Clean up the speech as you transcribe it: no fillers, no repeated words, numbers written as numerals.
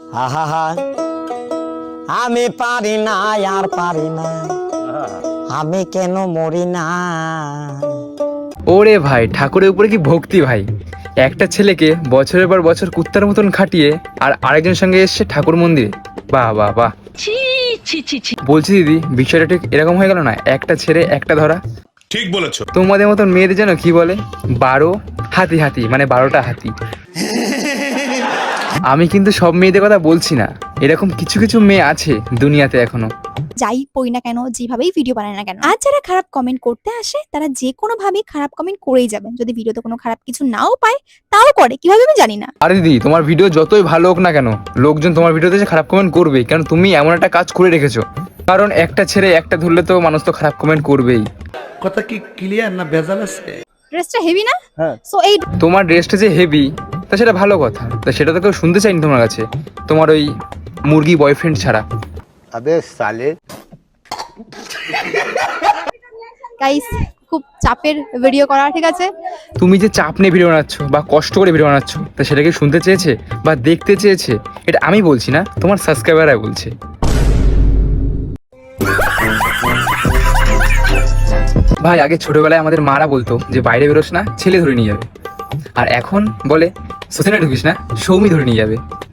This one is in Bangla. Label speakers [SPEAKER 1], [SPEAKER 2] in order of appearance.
[SPEAKER 1] আহা আমি পারি না আর পারি না, আমি কেন মরি না।
[SPEAKER 2] ওরে ভাই, ঠাকুরের উপরে কি ভক্তি ভাই। একটা ছেলেকে বছরের পর বছর কুত্তার মতন খাটিয়ে আর আরেকজনের সঙ্গে এসছে ঠাকুর মন্দিরে। বাহ বাহ বাহ। বলছি দিদি, বিষয়টা ঠিক এরকম হয়ে গেল না, একটা ছেড়ে একটা ধরা।
[SPEAKER 3] ঠিক বলেছো।
[SPEAKER 2] তোমাদের মতন মেয়েদের যেন কি বলে, 12 হাতি হাতি, মানে 12টা হাতি। আমি কিন্তু সব মেয়েদের কথা বলছি না, এরকম কিছু কিছু মেয়ে আছে দুনিয়াতে এখনো।
[SPEAKER 4] যাই পড়ি না কেন, যেভাবেই ভিডিও বানায় না কেন, আর যারা খারাপ কমেন্ট করতে আসে তারা যে কোনো ভাবেই খারাপ কমেন্ট করেই যাবেন। যদি ভিডিওতে কোনো খারাপ কিছু নাও পায় তাও করে, কিভাবে আমি জানি না।
[SPEAKER 2] আরে দিদি, তোমার ভিডিও যতই ভালো হোক না কেন, লোকজন তোমার ভিডিওতে এসে খারাপ কমেন্ট করবে, কারণ তুমি এমন একটা কাজ করে রেখেছো। কারণ একটা ছেড়ে একটা ধরলে তো মানুষ তো খারাপ কমেন্ট করবেই।
[SPEAKER 5] কথা কি ক্লিয়ার না ভেজাল আছে?
[SPEAKER 4] ড্রেসটা হেভি না? সো এই
[SPEAKER 2] তোমার ড্রেসটা যে হেভি, তা সেটা ভালো কথা, তা সেটা তো কেউ শুনতে চাইনি তোমার কাছে, তোমার ওই মুরগি বয়ফ্রেন্ড ছাড়া।
[SPEAKER 1] আবে সালে
[SPEAKER 4] গাইস, খুব চাপের ভিডিও করা, ঠিক আছে?
[SPEAKER 2] তুমি যে চাপ নিয়ে ভিডিও বানাচ্ছ বা কষ্ট করে ভিডিও বানাচ্ছ, তা সেটা কি শুনতে চেয়েছে বা দেখতে চেয়েছে? এটা আমি বলছি না, তোমার সাবস্ক্রাইবাররা বলছে। ভাই, আগে ছোটবেলায় আমাদের মারা বলতো যে বাইরে বেরোস না, ছেলে ধরে নিয়ে যাবে। আর এখন বলে সোসাইটি ঢুকিস না, সৌমি ধরে নিয়ে যাবে।